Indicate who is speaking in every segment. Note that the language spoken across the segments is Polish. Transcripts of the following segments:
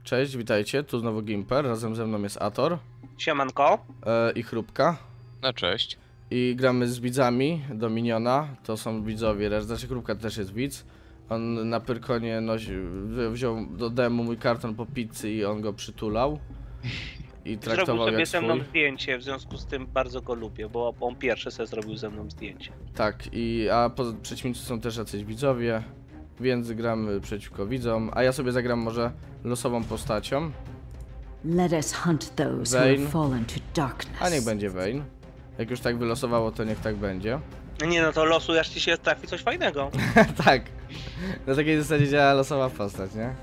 Speaker 1: Cześć, witajcie, tu znowu Gimper, razem ze mną jest Ator.
Speaker 2: Siemanko.
Speaker 1: I Chrupka.
Speaker 3: No cześć.
Speaker 1: I gramy z widzami Dominiona, to są widzowie, znaczy Chrupka też jest widz. On na Pyrkonie wziął do demo mój karton po pizzy i on go przytulał. I traktował
Speaker 2: Zrobił sobie
Speaker 1: jak
Speaker 2: ze mną
Speaker 1: swój.
Speaker 2: zdjęcie, w związku z tym bardzo go lubię, bo on pierwszy sobie zrobił ze mną zdjęcie.
Speaker 1: Tak, a przeciwnicy są też jacyś widzowie, więc gramy przeciwko widzom, a ja sobie zagram może losową postacią.
Speaker 4: Let us hunt those who have fallen to darkness.
Speaker 1: A niech będzie Vayne. Jak już tak wylosowało, to niech tak będzie.
Speaker 2: Nie no, to losuj, aż ci się trafi coś fajnego.
Speaker 1: Tak. Na takiej zasadzie działa losowa postać, nie?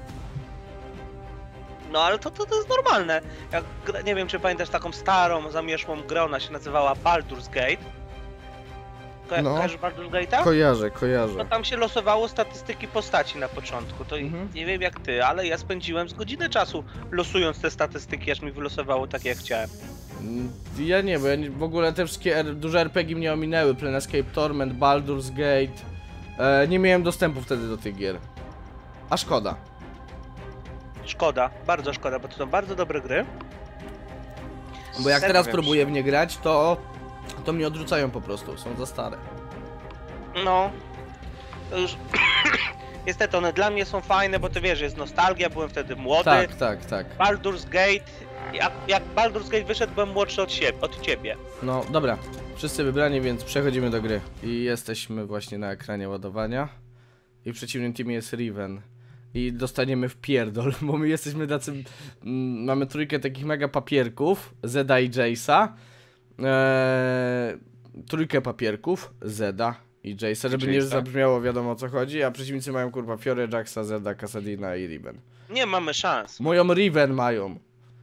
Speaker 2: No ale to jest normalne. Jak, nie wiem, czy pamiętasz taką starą, zamieszłą grę, ona się nazywała Baldur's Gate.
Speaker 1: No.
Speaker 2: Kojarzysz Baldur's Gate'a?
Speaker 1: Kojarzę.
Speaker 2: No tam się losowało statystyki postaci na początku, to nie wiem jak ty, ale ja spędziłem z godzinę czasu losując te statystyki, aż mi wylosowało tak jak chciałem.
Speaker 1: Ja nie, bo w ogóle te wszystkie duże RPG mnie ominęły. Planescape Torment, Baldur's Gate. Nie miałem dostępu wtedy do tych gier. A szkoda.
Speaker 2: Szkoda, bardzo szkoda, bo to są bardzo dobre gry.
Speaker 1: Bo jak
Speaker 2: Serio
Speaker 1: teraz
Speaker 2: wiem,
Speaker 1: próbuję w nie grać, to mnie odrzucają po prostu, są za stare.
Speaker 2: No, to już niestety one dla mnie są fajne, bo to wiesz, jest nostalgia, byłem wtedy młody.
Speaker 1: Tak.
Speaker 2: Baldur's Gate, jak Baldur's Gate wyszedł, byłem młodszy od ciebie.
Speaker 1: No dobra, wszyscy wybrani, więc przechodzimy do gry. I jesteśmy właśnie na ekranie ładowania. I w przeciwnym teamie jest Riven. I dostaniemy w pierdol, bo my jesteśmy tacy... mamy trójkę takich mega papierków, Zeda i Jace'a. Trójkę papierków, Zeda i Jace'a, żeby nie zabrzmiało wiadomo o co chodzi, a przeciwnicy mają kurwa Fiorę, Jaxa, Zeda, Kassadina i Riven.
Speaker 2: Nie mamy szans.
Speaker 1: Moją Riven mają.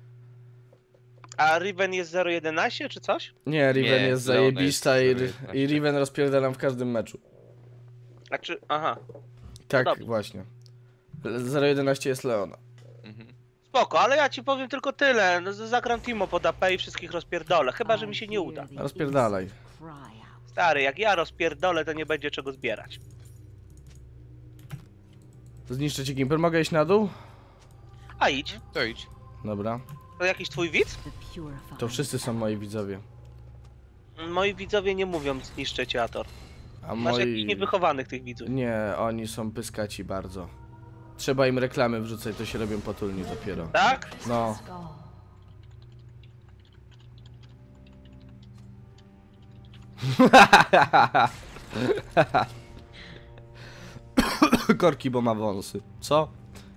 Speaker 2: A Riven jest 0-11 czy coś?
Speaker 1: Nie, Riven jest zajebista
Speaker 3: jest
Speaker 1: i Riven rozpierdalam w każdym meczu.
Speaker 2: A czy... aha.
Speaker 1: Tak,
Speaker 2: dobrze.
Speaker 1: właśnie. 0-11 jest Leona.
Speaker 2: Spoko, ale ja ci powiem tylko tyle. No, zagram Timo pod AP i wszystkich rozpierdolę, chyba że mi się nie uda.
Speaker 1: Rozpierdalaj.
Speaker 2: Stary, jak ja rozpierdolę, to nie będzie czego zbierać.
Speaker 1: Zniszczę ci Gimper, mogę iść na dół?
Speaker 2: A idź.
Speaker 3: To idź.
Speaker 1: Dobra.
Speaker 2: To jakiś twój widz?
Speaker 1: To wszyscy są moi widzowie.
Speaker 2: Moi widzowie nie mówią zniszczę cię, Ator.
Speaker 1: A
Speaker 2: Masz jakichś
Speaker 1: moi...
Speaker 2: niewychowanych tych widzów.
Speaker 1: Nie, oni są pyskaci bardzo. Trzeba im reklamy wrzucać, to się robią potulni dopiero.
Speaker 2: Tak?
Speaker 1: No. Korki, bo ma wąsy. Co?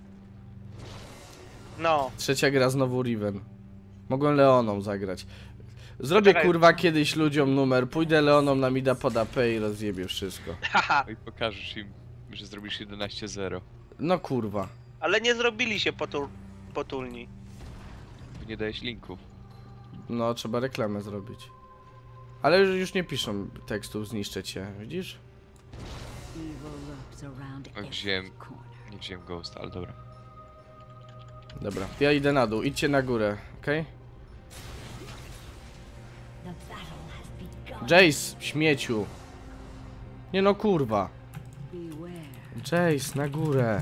Speaker 2: No.
Speaker 1: Trzecia gra znowu Riven. Mogłem Leoną zagrać. Zrobię
Speaker 2: Czekaj.
Speaker 1: kurwa kiedyś ludziom numer, pójdę Leoną na mida pod AP i rozjebię wszystko.
Speaker 2: Haha.
Speaker 3: No i pokażesz im, że zrobisz 11-0.
Speaker 1: No kurwa.
Speaker 2: Ale nie zrobili się potulni.
Speaker 3: Bo nie dałeś linku.
Speaker 1: No trzeba reklamę zrobić. Ale już nie piszą tekstów, zniszczę cię, widzisz?
Speaker 3: Nie wziąłem Ghost, ale dobra.
Speaker 1: Dobra, ja idę na dół, idźcie na górę, okej? Jace, śmieciu. Nie no kurwa. Jace, na górę.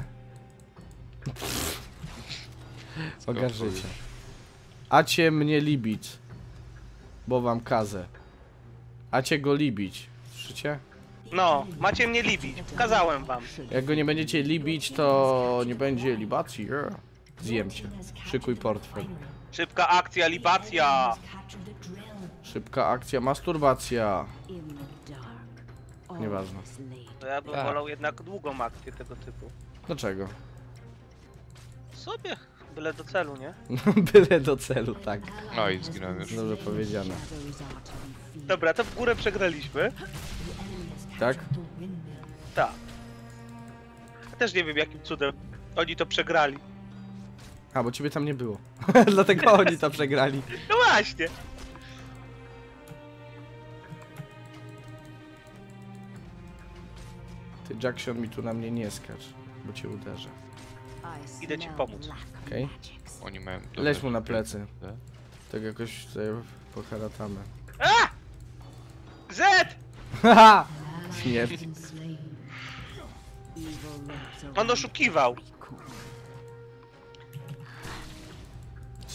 Speaker 1: Ogarzycie. Acie mnie libić. Bo wam kazę. Acie go libić. Słyszycie?
Speaker 2: No, macie mnie libić. Kazałem wam.
Speaker 1: Jak go nie będziecie libić, to nie będzie libacji. Zjem cię. Szykuj portfel.
Speaker 2: Szybka akcja, libacja.
Speaker 1: Szybka akcja, masturbacja. Nieważne.
Speaker 2: To ja bym wolał jednak długą akcję tego typu.
Speaker 1: Dlaczego?
Speaker 2: Sobie, byle do celu, nie?
Speaker 1: Byle do celu, tak.
Speaker 3: No i zginąłem już.
Speaker 1: Dobrze powiedziane.
Speaker 2: Dobra, to w górę przegraliśmy.
Speaker 1: Tak?
Speaker 2: Tak. Ja też nie wiem jakim cudem oni to przegrali.
Speaker 1: A, bo ciebie tam nie było. Dlatego oni to przegrali.
Speaker 2: No właśnie.
Speaker 1: Ty, Jackson, mi tu na mnie nie skacz, bo cię uderzę.
Speaker 2: Idę ci pomóc.
Speaker 1: Okej?
Speaker 3: Oni mają...
Speaker 1: Leć mu na plecy. Tak jakoś tutaj poharatamy.
Speaker 2: A! Z!
Speaker 1: Haha! Śmierć.
Speaker 2: On oszukiwał.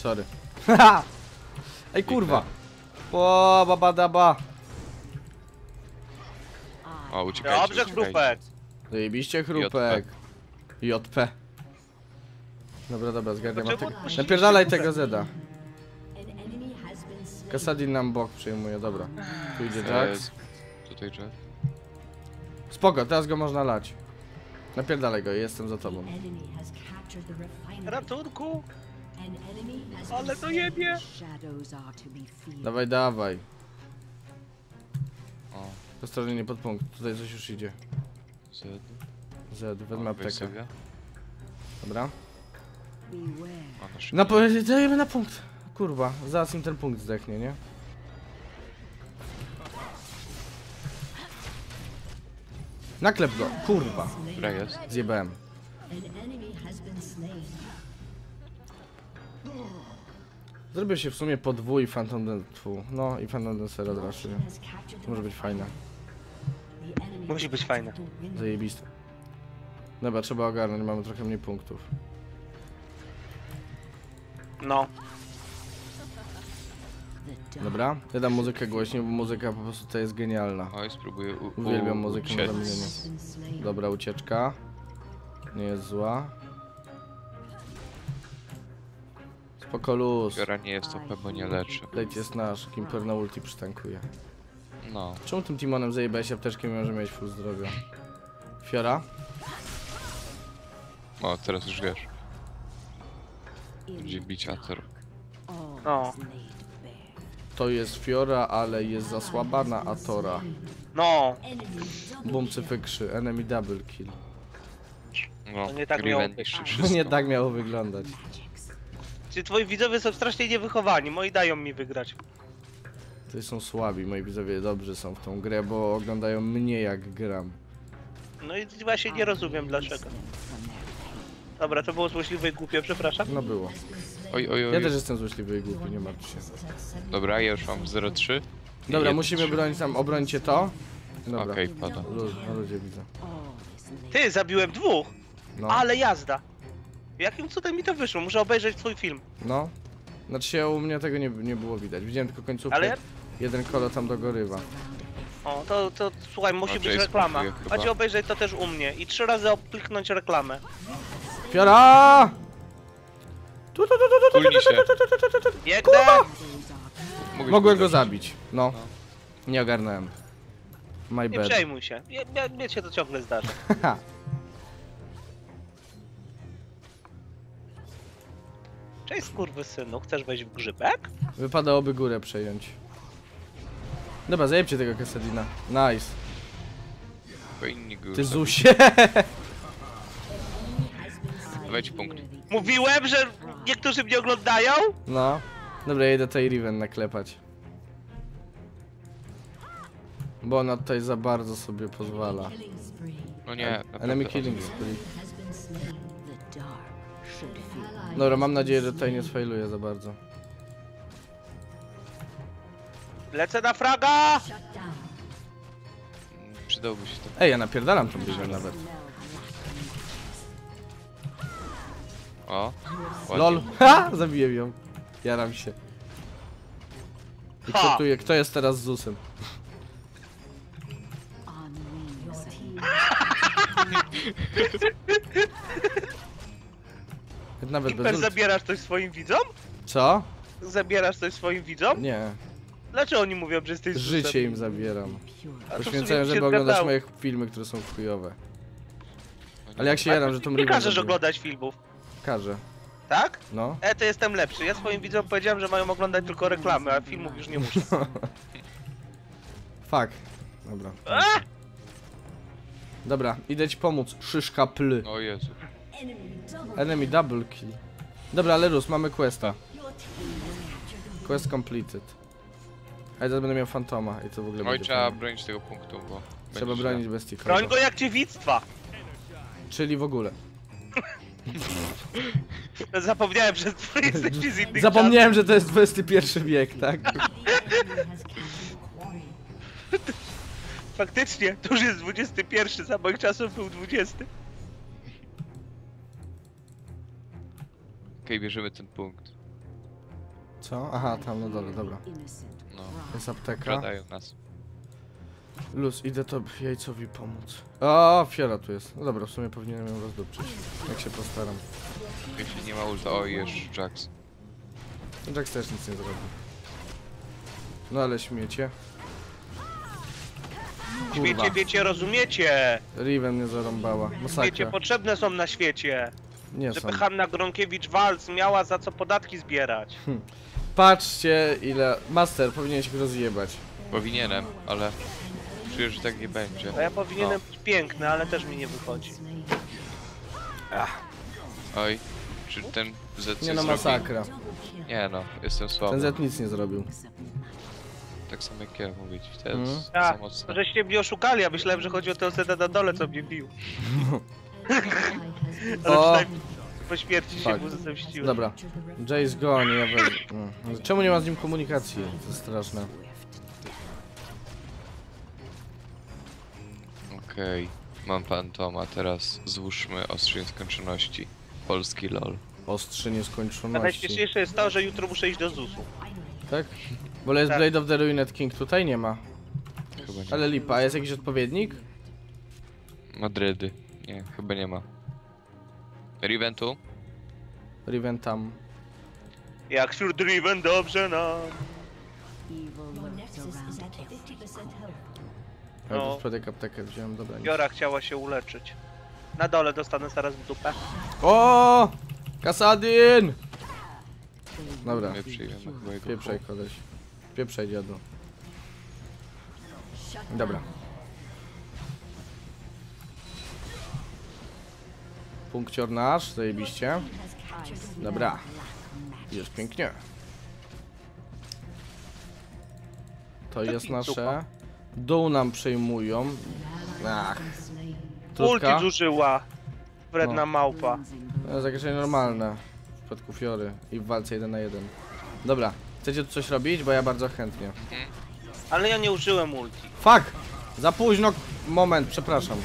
Speaker 1: Sorry. Ej, kurwa! O, babadaba!
Speaker 3: O, uciekajcie,
Speaker 2: Dobrze,
Speaker 3: uciekajcie.
Speaker 2: chrupek.
Speaker 1: Zajebiście chrupek. JP. Dobra, dobra, zgarniam.
Speaker 2: Dlaczego puściliście
Speaker 1: Napierdalaj
Speaker 2: chrupek?
Speaker 1: tego Zeda. Kassadin nam bok przyjmuje, dobra. Tu idzie Jax.
Speaker 3: Tutaj Jack.
Speaker 1: Spoko, teraz go można lać. Napierdalaj go, jestem za tobą.
Speaker 2: Ratunku. Ale to jebie.
Speaker 1: Dawaj, dawaj.
Speaker 3: O,
Speaker 1: Ostrożnie, nie pod punkt. Tutaj coś już idzie.
Speaker 3: Z.
Speaker 1: Zed, wezmę
Speaker 3: O, weź
Speaker 1: aptekę.
Speaker 3: sobie.
Speaker 1: Dobra.
Speaker 3: O, na szybko.
Speaker 1: Dajemy na punkt. Kurwa, zaraz im ten punkt zdechnie, nie? Naklep go, kurwa.
Speaker 3: Dobra, jest.
Speaker 1: Zjebałem. Zrobię się w sumie podwój Phantom Danceru. No i Phantom Dancer od razu, nie? Może być fajne.
Speaker 2: Musi być fajne.
Speaker 1: Zajebiste. Dobra, trzeba ogarnąć, mamy trochę mniej punktów.
Speaker 2: No.
Speaker 1: Dobra, ja dam muzykę głośniej, bo muzyka po prostu tutaj jest genialna.
Speaker 3: Oj, spróbuję
Speaker 1: Uwielbiam muzykę na
Speaker 3: uciec.
Speaker 1: zamienienie. Dobra, ucieczka. Nie jest zła. Spoko luz.
Speaker 3: Fiora nie jest OP, bo nie leczy.
Speaker 1: Lejt jest nasz, Kimper na ulti przytankuje.
Speaker 3: No.
Speaker 1: Czemu tym Timonem zajebałeś apteczkę, mimo że miałeś full zdrowia? Fiora?
Speaker 3: O, teraz już wiesz. Będzie bić Acer.
Speaker 2: No.
Speaker 1: To jest Fiora, ale jest za słaba na Atora.
Speaker 2: No.
Speaker 1: Bum, cyfykrzy, enemy double kill.
Speaker 3: No,
Speaker 2: To nie tak miało
Speaker 3: Riven
Speaker 2: być.
Speaker 3: niszczy
Speaker 1: No
Speaker 3: wszystko.
Speaker 1: nie tak miało wyglądać.
Speaker 2: Czy twoi widzowie są strasznie niewychowani, moi dają mi wygrać.
Speaker 1: To są słabi, moi widzowie dobrzy są w tą grę, bo oglądają mnie jak gram.
Speaker 2: No i właśnie nie rozumiem dlaczego. Dobra, to było złośliwe i głupie, przepraszam.
Speaker 1: No było.
Speaker 3: Oj, oj, oj.
Speaker 1: Ja też jestem złośliwy i głupi, nie martw się.
Speaker 3: Dobra, ja już mam 0,3.
Speaker 1: Dobra,
Speaker 3: I
Speaker 1: musimy
Speaker 3: 1,3.
Speaker 1: bronić tam, obrońcie to. Dobra.
Speaker 3: Okej, pada.
Speaker 1: Na ludzie widzę.
Speaker 2: Ty, zabiłem dwóch,
Speaker 1: No.
Speaker 2: ale jazda. Jakim cudem mi to wyszło? Muszę obejrzeć twój film.
Speaker 1: No. Znaczy się u mnie tego nie było widać. Widziałem tylko końcówkę.
Speaker 2: Ale ja-
Speaker 1: Jeden kolo tam dogorywa.
Speaker 2: O, to słuchaj, musi
Speaker 3: O,
Speaker 2: być
Speaker 3: Jace
Speaker 2: reklama.
Speaker 3: próbuje chyba.
Speaker 2: Macie obejrzeć to też u mnie i 3 razy kliknąć reklamę.
Speaker 1: Fiora!
Speaker 3: Tulnij się.
Speaker 2: Biegnę!
Speaker 1: Mogłem go zabić. No. Nie ogarnąłem. My
Speaker 2: Nie
Speaker 1: bad.
Speaker 2: przejmuj się. Mnie się to ciągle zdarza.
Speaker 1: Haha.
Speaker 2: Cześć skurwysynu, chcesz wejść w grzybek?
Speaker 1: Wypadałoby górę przejąć. Dobra, zajebcie tego Kassadina. Nice.
Speaker 3: Bo inni go
Speaker 1: Ty
Speaker 3: zabiją.
Speaker 1: Zusie.
Speaker 3: Wejdź punkt.
Speaker 2: Mówiłem, że niektórzy mnie oglądają?
Speaker 1: No. Dobra, ja idę tutaj Riven naklepać. Bo ona tutaj za bardzo sobie pozwala.
Speaker 3: No nie, naprawdę.
Speaker 1: Enemy killing spree. Dobra, mam nadzieję, że tutaj nie sfailuje za bardzo.
Speaker 2: Lecę na fraga!
Speaker 3: Przydałby się to.
Speaker 1: Ej, ja napierdalam tą Riven nawet.
Speaker 3: O, ładnie.
Speaker 1: LOL. Ha! Zabiję ją. Jaram się. I
Speaker 2: Ha!
Speaker 1: kto tu je, kto jest teraz Zusem? Nawet
Speaker 2: Kimper,
Speaker 1: bez ult.
Speaker 2: zabierasz coś swoim widzom?
Speaker 1: Co?
Speaker 2: Zabierasz coś swoim widzom?
Speaker 1: Nie.
Speaker 2: Dlaczego oni mówią, że jesteś
Speaker 1: Życie
Speaker 2: susem?
Speaker 1: im zabieram.
Speaker 2: A to w
Speaker 1: Poświęcają,
Speaker 2: sumie
Speaker 1: żeby
Speaker 2: się
Speaker 1: oglądać
Speaker 2: zgadzało.
Speaker 1: moje filmy, które są chujowe.
Speaker 3: No nie.
Speaker 1: Ale jak się jaram, że tą
Speaker 2: Nie
Speaker 1: Riven
Speaker 2: każesz
Speaker 1: zabiję.
Speaker 2: oglądać filmów,
Speaker 1: Każę.
Speaker 2: tak?
Speaker 1: No.
Speaker 2: To jestem lepszy. Ja swoim widzom powiedziałem, że mają oglądać tylko reklamy, a filmów już nie muszę.
Speaker 1: Fuck. Dobra.
Speaker 2: A!
Speaker 1: Dobra, idę ci pomóc. Szyszka pl.
Speaker 3: O Jezu.
Speaker 1: Enemy double kill. Dobra, Lerus, mamy questa. Quest completed. A ja teraz będę miał fantoma i to w ogóle
Speaker 3: Oj,
Speaker 1: będzie
Speaker 3: trzeba
Speaker 1: fajne.
Speaker 3: bronić tego punktu, bo...
Speaker 1: Trzeba
Speaker 3: będzie
Speaker 1: bronić
Speaker 3: źle.
Speaker 1: bestii.
Speaker 2: Broń go jak dziewictwa!
Speaker 1: Czyli w ogóle.
Speaker 2: Zapomniałem, że ty jesteś z innych
Speaker 1: Zapomniałem, że to jest XXI wiek, tak?
Speaker 2: czasów. Faktycznie, to już jest 21, za moich czasów był 20.
Speaker 3: Okej, bierzemy ten punkt.
Speaker 1: Co? Aha, tam na dole, dobra.
Speaker 3: No,
Speaker 1: Jest apteka.
Speaker 3: kradają nas.
Speaker 1: Luz, idę to jajcowi pomóc. O, Fiora tu jest. No dobra, w sumie powinienem ją rozdupczyć. Jak się postaram.
Speaker 3: Jeśli nie ma ulta, o jest Jax.
Speaker 1: Jax też nic nie zrobi. No ale śmiecie.
Speaker 2: Świecie, wiecie, rozumiecie.
Speaker 1: Riven mnie zarąbała.
Speaker 2: Wiecie,
Speaker 1: Masakra.
Speaker 2: potrzebne są na świecie.
Speaker 1: Nie są.
Speaker 2: Żeby Hanna Gronkiewicz-Waltz miała za co podatki zbierać.
Speaker 1: Patrzcie ile... Master, powinieneś go rozjebać.
Speaker 3: Powinienem, ale czuję, że tak nie będzie.
Speaker 2: A ja powinienem być piękny, ale też mi nie wychodzi.
Speaker 3: Oj, czy ten Z
Speaker 1: Nie no,
Speaker 3: zrobi?
Speaker 1: masakra.
Speaker 3: Nie no, jestem
Speaker 1: Ten
Speaker 3: słaby.
Speaker 1: Z nic nie zrobił.
Speaker 3: Tak samo jak ja mówić, to
Speaker 1: Mhm.
Speaker 3: jest
Speaker 2: A,
Speaker 3: za mocne.
Speaker 2: żeście mnie oszukali, ja myślałem, że chodzi o tę osetę na dole, co mnie bił. Ale
Speaker 1: O!
Speaker 2: przynajmniej po śmierci się
Speaker 1: Tak.
Speaker 2: mu zemściłem.
Speaker 1: Dobra. Jace goni, ja weź... Czemu nie ma z nim komunikacji? To jest straszne.
Speaker 3: Okej, mam Fantoma, teraz złóżmy ostrze nieskończoności. Polski LOL.
Speaker 1: Ostrzy
Speaker 2: A
Speaker 1: nieskończoności.
Speaker 2: najśmieszniejsze jest to, że jutro muszę iść do ZUS-u.
Speaker 1: Tak? Bo jest
Speaker 2: Tak.
Speaker 1: Blade of the Ruined King, tutaj nie ma.
Speaker 3: Chyba nie.
Speaker 1: Ale lipa, a jest jakiś odpowiednik?
Speaker 3: Madrydy. Nie, chyba nie ma. Riven tu?
Speaker 1: Riven tam.
Speaker 2: Jak wśród Riven dobrze nam.
Speaker 1: Ja
Speaker 2: No.
Speaker 1: no. Przypadek aptekę wziąłem, dobra. nic.
Speaker 2: Biora chciała się uleczyć. Na dole dostanę zaraz w dupę.
Speaker 1: O! Kasadin! Dobra,
Speaker 3: My przyjmiemy chyba jego
Speaker 1: pieprzaj koleś. Pieprzaj dziadu. Dobra. Punkcior nasz, zajebiście. Dobra. Jest pięknie. To jest nasze. Dół nam przejmują. Ach.
Speaker 2: Ulti
Speaker 1: Trudka.
Speaker 2: zużyła. Wredna
Speaker 1: No.
Speaker 2: małpa.
Speaker 1: To jest jakieś normalne. W przypadku Fiory i w walce 1 na 1. Dobra. Chcecie tu coś robić? Bo ja bardzo chętnie.
Speaker 2: Ale ja nie użyłem ulti.
Speaker 1: Fuck! Za późno. Moment, przepraszam.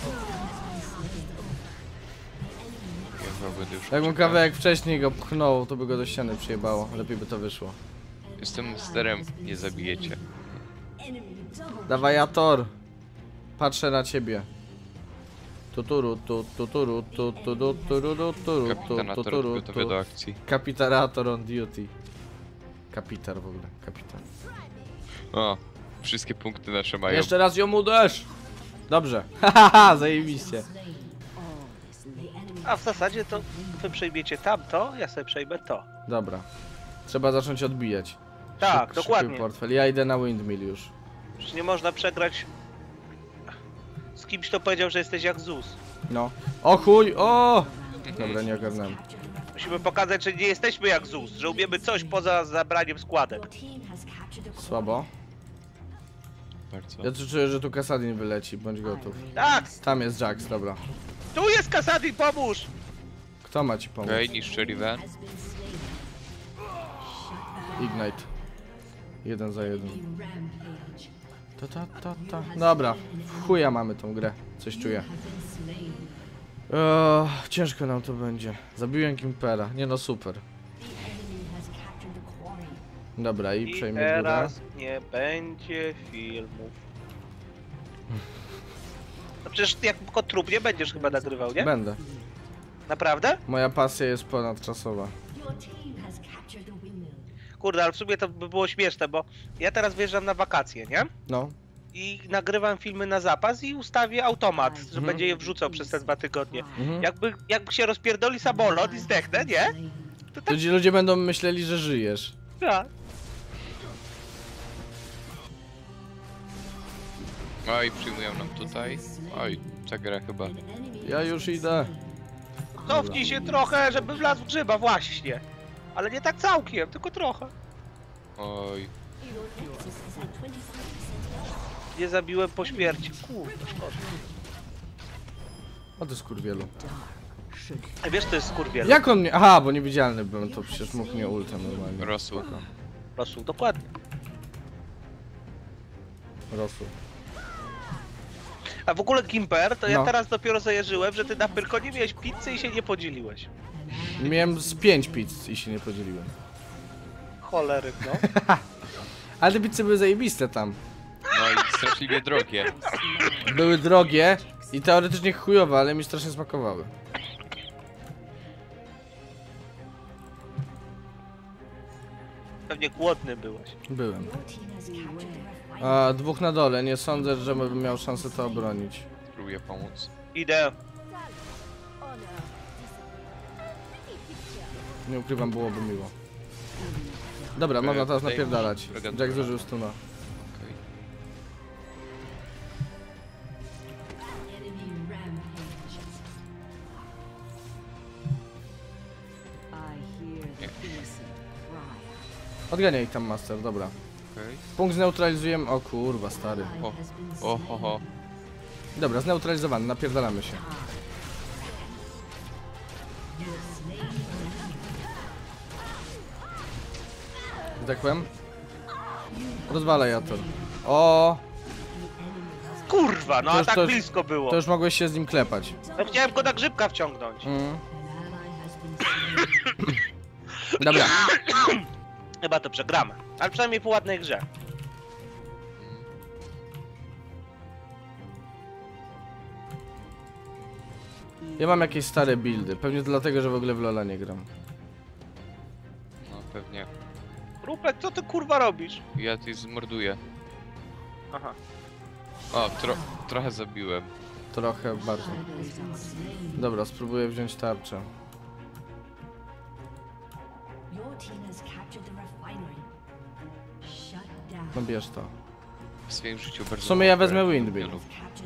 Speaker 3: Ja chyba będę już
Speaker 1: Jakbym
Speaker 3: uciekał.
Speaker 1: kawałek wcześniej go pchnął, to by go do ściany przyjebało. Lepiej by to wyszło.
Speaker 3: Jestem sterem, nie zabijecie.
Speaker 1: Dawaj, Ator. Patrzę na ciebie. Tuturu, tuturu, tuturu, tuturu, tuturu,
Speaker 3: Kapitanator
Speaker 1: tuturu,
Speaker 3: gotowy do akcji.
Speaker 1: Kapitarator on duty. Kapitar w ogóle, kapitan.
Speaker 3: O, wszystkie punkty nasze mają.
Speaker 1: Jeszcze raz ją uderz! Dobrze, hahaha, zajebiście.
Speaker 2: A w zasadzie to wy przejmiecie tamto, ja sobie przejmę to.
Speaker 1: Dobra. Trzeba zacząć odbijać.
Speaker 2: Tak, dokładnie.
Speaker 1: Szybki portfel. Ja idę na windmill już.
Speaker 2: Przecież nie można przegrać z kimś, kto powiedział, że jesteś jak ZUS.
Speaker 1: No. O chuj, o! Dobra, nie ogarnąłem.
Speaker 2: Musimy pokazać, że nie jesteśmy jak ZUS, że umiemy coś poza zabraniem składek.
Speaker 1: Słabo.
Speaker 3: Bardzo.
Speaker 1: Ja tu czuję, że tu Kasadin wyleci, bądź gotów.
Speaker 2: Tak!
Speaker 1: Tam jest Jax, dobra.
Speaker 2: Tu jest Kasadin, pomóż!
Speaker 1: Kto ma ci pomóc?
Speaker 3: Okej, niszczy Riven.
Speaker 1: Ignite. 1 za 1. Dobra, w chuja mamy tą grę. Coś czuję. Ciężko nam to będzie. Zabiłem Kimpera. Nie no, super. Dobra, i
Speaker 2: I
Speaker 1: przejmie górę.
Speaker 2: teraz nie będzie filmów. No przecież jako trup nie będziesz chyba nagrywał, nie?
Speaker 1: Będę.
Speaker 2: Naprawdę?
Speaker 1: Moja pasja jest ponadczasowa.
Speaker 2: Kurde, ale w sumie to by było śmieszne, bo ja teraz wyjeżdżam na wakacje, nie?
Speaker 1: No.
Speaker 2: I nagrywam filmy na zapas i ustawię automat, że będzie je wrzucał przez te 2 tygodnie.
Speaker 1: Mhm.
Speaker 2: Jakby się rozpierdoli samolot i zdechnę, nie? To tak,
Speaker 1: Ludzie będą myśleli, że żyjesz.
Speaker 2: tak.
Speaker 3: Oj, przyjmują nam tutaj. Oj, ta gra chyba.
Speaker 1: Ja już idę.
Speaker 2: Cofnij się trochę, żeby wlazł w grzyba, właśnie. Ale nie tak całkiem, tylko trochę.
Speaker 3: Oj,
Speaker 2: Nie zabiłem po śmierci. Kurde, szkoda.
Speaker 1: O ty skurwielu.
Speaker 2: A wiesz, to jest skurwiel.
Speaker 1: Jak on mnie... Aha, bo niewidzialny byłem, to przecież mógł mnie ultem normalnie.
Speaker 3: rosło.
Speaker 2: Rosół, dokładnie.
Speaker 1: Rosół.
Speaker 2: A w ogóle Gimper, to ja
Speaker 1: No.
Speaker 2: teraz dopiero zajarzyłem, że ty na Pyrkonie miałeś pizzę i się nie podzieliłeś.
Speaker 1: Miałem z 5 pizz i się nie podzieliłem.
Speaker 2: cholery, no.
Speaker 1: Ale te pizze były zajebiste tam.
Speaker 3: No i straszliwie drogie.
Speaker 1: Były drogie i teoretycznie chujowe, ale mi strasznie smakowały.
Speaker 2: Pewnie głodny byłeś.
Speaker 1: Byłem. A dwóch na dole, nie sądzę, że bym miał szansę to obronić.
Speaker 3: Spróbuję pomóc.
Speaker 2: Idę.
Speaker 1: Nie ukrywam, byłoby miło. Dobra, można teraz napierdalać. Jack zużył stuna.
Speaker 3: Okej.
Speaker 1: Odganiaj ich tam, Master, dobra.
Speaker 3: Okej.
Speaker 1: Punkt zneutralizujemy. O kurwa, stary.
Speaker 3: O, ho, ho.
Speaker 1: Dobra, zneutralizowany, napierdalamy się. Zdechłem? Rozwalaj Ator. O,
Speaker 2: Kurwa, no
Speaker 1: To
Speaker 2: a
Speaker 1: już-
Speaker 2: tak
Speaker 1: to już-
Speaker 2: blisko było.
Speaker 1: to już mogłeś się z nim klepać.
Speaker 2: No chciałem go na grzybka wciągnąć.
Speaker 1: Dobra,
Speaker 2: Chyba to przegramy. Ale przynajmniej po ładnej grze.
Speaker 1: ja mam jakieś stare buildy. Pewnie dlatego, że w ogóle w Lola nie gram.
Speaker 3: No pewnie.
Speaker 2: Rupek, co ty kurwa robisz?
Speaker 3: Ja ty zmorduję.
Speaker 2: Aha.
Speaker 3: O, trochę zabiłem.
Speaker 1: Trochę bardziej. Dobra, spróbuję wziąć tarczę. No bierz to.
Speaker 3: W swoim życiu bardzo...
Speaker 1: W sumie ja wezmę
Speaker 3: mało
Speaker 1: Windmill.
Speaker 3: wielu.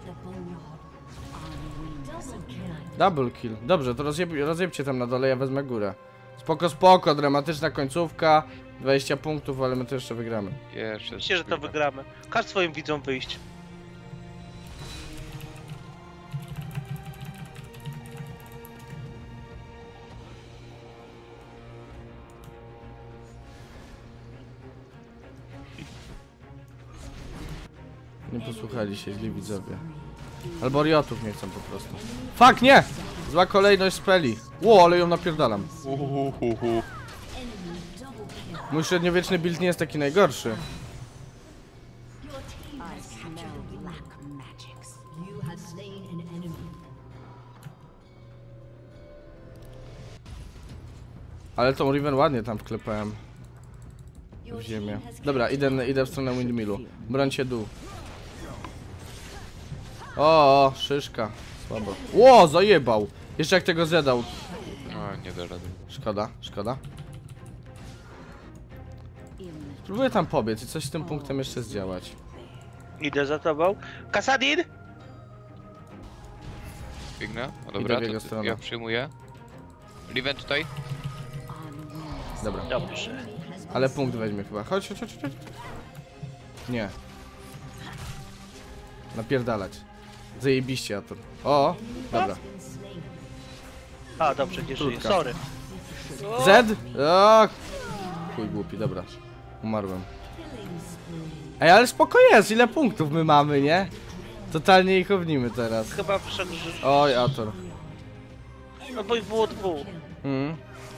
Speaker 1: Double kill. Dobrze, to rozjebcie tam na dole, ja wezmę górę. Spoko, spoko, dramatyczna końcówka. 20 punktów, ale my to jeszcze wygramy.
Speaker 3: Jeszcze
Speaker 2: Myślę, że to wygramy. Każ swoim widzom wyjść.
Speaker 1: Nie posłuchali się źli widzowie. Albo riotów nie chcą po prostu. Fuck, nie! Zła kolejność speli. Ło, ale ją napierdalam.
Speaker 3: Uhuhuhu.
Speaker 1: Mój średniowieczny build nie jest taki najgorszy. Ale tą Riven ładnie tam wklepałem. W ziemię. Dobra, idę w stronę Windmillu. Brońcie dół. O, szyszka. Słabo. Ło, zajebał. Jeszcze jak tego zjadał.
Speaker 3: No, nie da rady.
Speaker 1: Szkoda, szkoda. Spróbuję tam pobiec i coś z tym punktem jeszcze zdziałać.
Speaker 2: Idę za tobą. Kasadin!
Speaker 3: Biegnę? O, dobra,
Speaker 1: w jego
Speaker 3: to
Speaker 1: stronę.
Speaker 3: ja przyjmuję. Riven tutaj?
Speaker 1: Dobra,
Speaker 2: Dobrze.
Speaker 1: ale punkt weźmie chyba. Chodź, chodź, chodź, chodź. Nie. Napierdalać. Zajebiście, Ator. O, dobra.
Speaker 2: A, dobrze, nie żyję.
Speaker 1: Krótka.
Speaker 2: Sorry.
Speaker 1: Z? O, chuj głupi, dobra. Umarłem. Ej, ale spoko jest, ile punktów my mamy, nie? Totalnie ich ownimy teraz.
Speaker 2: Chyba przegrzysz.
Speaker 1: Oj, Ator.
Speaker 2: No bo i było dwóch.
Speaker 1: Mm.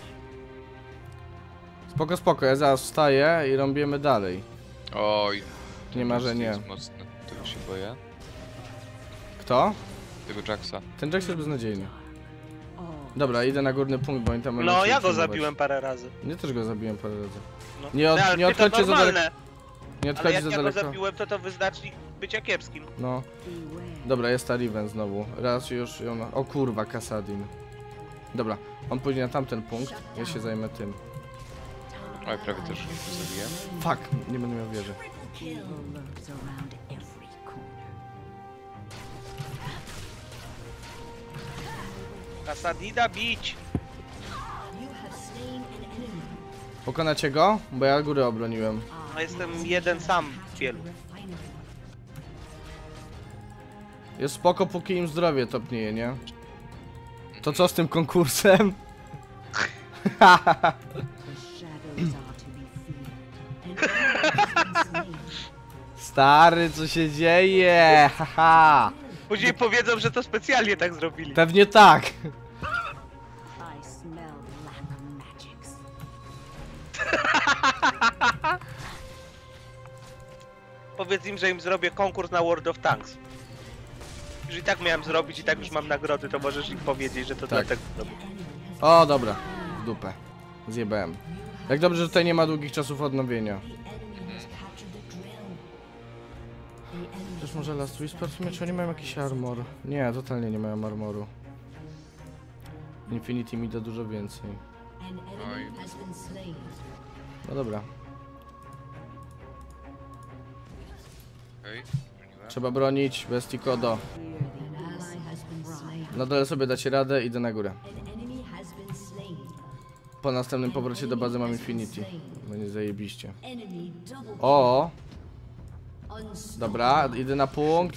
Speaker 1: Spoko, spoko, ja zaraz wstaję i robimy dalej.
Speaker 3: Oj.
Speaker 1: Nie ma, że nie.
Speaker 3: Jest mocny. Tego się boję.
Speaker 1: Kto?
Speaker 3: Tego Jacksa.
Speaker 1: Ten Jax jest beznadziejny. Dobra, idę na górny punkt, bo oni tam będą
Speaker 2: No,
Speaker 1: się
Speaker 2: ja go
Speaker 1: przyjmować.
Speaker 2: zabiłem parę razy.
Speaker 1: Ja też go zabiłem parę razy.
Speaker 2: No.
Speaker 1: Nie od-
Speaker 2: No, ale
Speaker 1: nie
Speaker 2: ty to
Speaker 1: odchodźcie za
Speaker 2: normalne.
Speaker 1: daleko. Nie
Speaker 2: Ale
Speaker 1: odchodź
Speaker 2: jak
Speaker 1: za
Speaker 2: ja go
Speaker 1: daleko.
Speaker 2: zabiłem, to wyznacznik bycia kiepskim.
Speaker 1: No. Dobra, jest ta Riven znowu. Raz już ją... O kurwa, Kasadin. Dobra, on pójdzie na tamten punkt, ja się zajmę tym.
Speaker 3: Oj, prawie też zabiję.
Speaker 1: Fuck, nie będę miał wieży.
Speaker 2: Kasadina bić!
Speaker 1: Pokonacie go? Bo ja góry obroniłem.
Speaker 2: No jestem jeden sam w wielu.
Speaker 1: Jest spoko, póki im zdrowie topnieje, nie? To co z tym konkursem? Stary, co się dzieje? Haha.
Speaker 2: Później powiedzą, że to specjalnie tak zrobili.
Speaker 1: Pewnie tak.
Speaker 2: powiedz im, że im zrobię konkurs na World of Tanks. Już i tak miałem zrobić, i tak już mam nagrody, to możesz im powiedzieć, że to dlatego zrobię.
Speaker 1: O, dobra. W dupę. Zjebałem. Jak dobrze, że tutaj nie ma długich czasów odnowienia. Też może Last Whisper? W sumie, czy oni mają jakiś armor? Nie, totalnie nie mają armoru. Infinity mi da dużo więcej.
Speaker 3: Oj,
Speaker 1: No dobra.
Speaker 3: okej. Broniłem.
Speaker 1: Trzeba bronić, bestii Kodo. Na dole sobie dacie radę, idę na górę. Po następnym powrocie do bazy mam Infinity. Będzie zajebiście. O! Dobra, idę na punkt,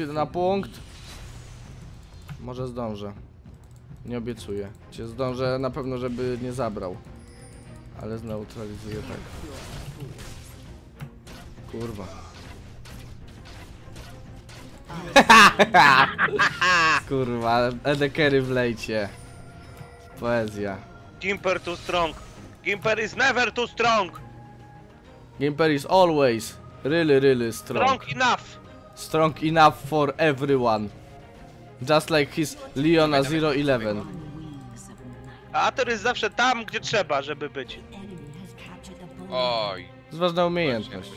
Speaker 1: Może zdążę. Nie obiecuję. Cię zdążę na pewno, żeby nie zabrał. Ale zneutralizuję tak. Kurwa. Kurwa, Edekery w lejcie. Poezja.
Speaker 2: Gimper too strong. Gimper is never too strong.
Speaker 1: Gimper is always really strong.
Speaker 2: Strong enough.
Speaker 1: Strong enough for everyone. Just like his Leona 011.
Speaker 2: A Ator jest zawsze tam, gdzie trzeba, żeby być.
Speaker 3: Oj,
Speaker 1: To jest ważna umiejętność.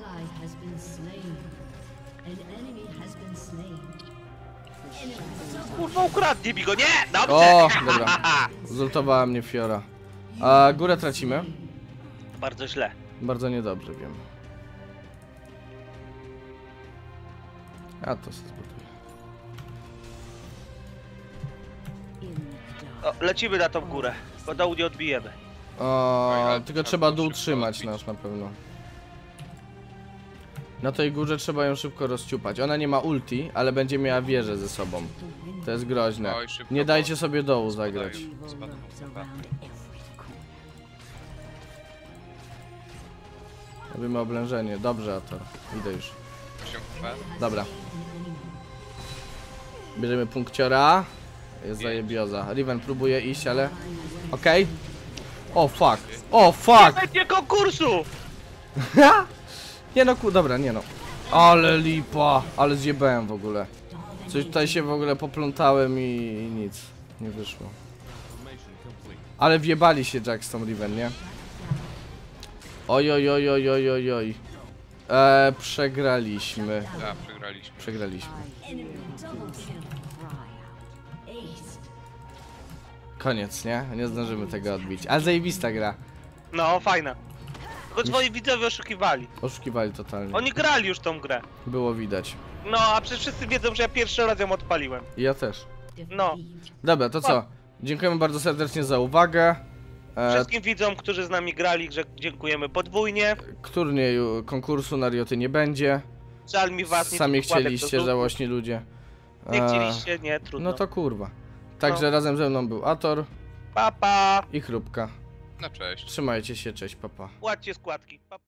Speaker 2: Kurwa, ukradnij mi go, nie! Dobrze!
Speaker 1: O, dobra. Zultowała mnie Fiora. A górę tracimy?
Speaker 2: Bardzo źle.
Speaker 1: Bardzo niedobrze, wiem. A to się zbuduje.
Speaker 2: O, lecimy na tą górę, bo dołu nie odbijemy.
Speaker 1: O, tylko trzeba dół trzymać nasz na pewno. Na tej górze trzeba ją szybko rozciupać. Ona nie ma ulti, ale będzie miała wieżę ze sobą. To jest groźne.
Speaker 3: Oj, szybko,
Speaker 1: Nie
Speaker 3: bo-
Speaker 1: dajcie sobie dołu zagrać.
Speaker 3: Spadł mu chyba.
Speaker 1: Robimy oblężenie. Dobrze, Ator. Idę już.
Speaker 3: 8 HP.
Speaker 1: Dobra. Bierzemy punkciora. Jest zajebioza. Riven próbuje iść, ale... Okej. O fuck. O fuck!
Speaker 2: Będzie konkursu!
Speaker 1: Nie no, dobra, nie no. Ale lipa. Ale zjebałem w ogóle. Coś tutaj się w ogóle poplątałem i nic. Nie wyszło. Ale wjebali się Jack z tą Riven, nie? Oj, oj, oj, oj, oj, oj, oj. Przegraliśmy.
Speaker 3: Tak, przegraliśmy.
Speaker 1: Przegraliśmy. Koniec, nie? Nie zdążymy tego odbić. Ale zajebista gra.
Speaker 2: No, fajna. Tylko twoi widzowie oszukiwali.
Speaker 1: Oszukiwali totalnie.
Speaker 2: Oni grali już tą grę.
Speaker 1: Było widać.
Speaker 2: No, a przecież wszyscy wiedzą, że ja pierwszy raz ją odpaliłem.
Speaker 1: I ja też.
Speaker 2: No.
Speaker 1: Dobra, to co? Dziękujemy bardzo serdecznie za uwagę.
Speaker 2: Wszystkim widzom, którzy z nami grali, że dziękujemy podwójnie.
Speaker 1: Turnieju konkursu na Rioty nie będzie.
Speaker 2: Żal mi was, nie
Speaker 1: Sami
Speaker 2: wkładek do
Speaker 1: chcieliście,
Speaker 2: zup.
Speaker 1: żałośni ludzie.
Speaker 2: Nie chcieliście, nie, trudno.
Speaker 1: No to kurwa. Także
Speaker 2: No.
Speaker 1: razem ze mną był Ator
Speaker 2: Pa, pa.
Speaker 1: i Chrupka.
Speaker 3: No cześć.
Speaker 1: Trzymajcie się, cześć, papa.
Speaker 2: Płaccie składki. Pa.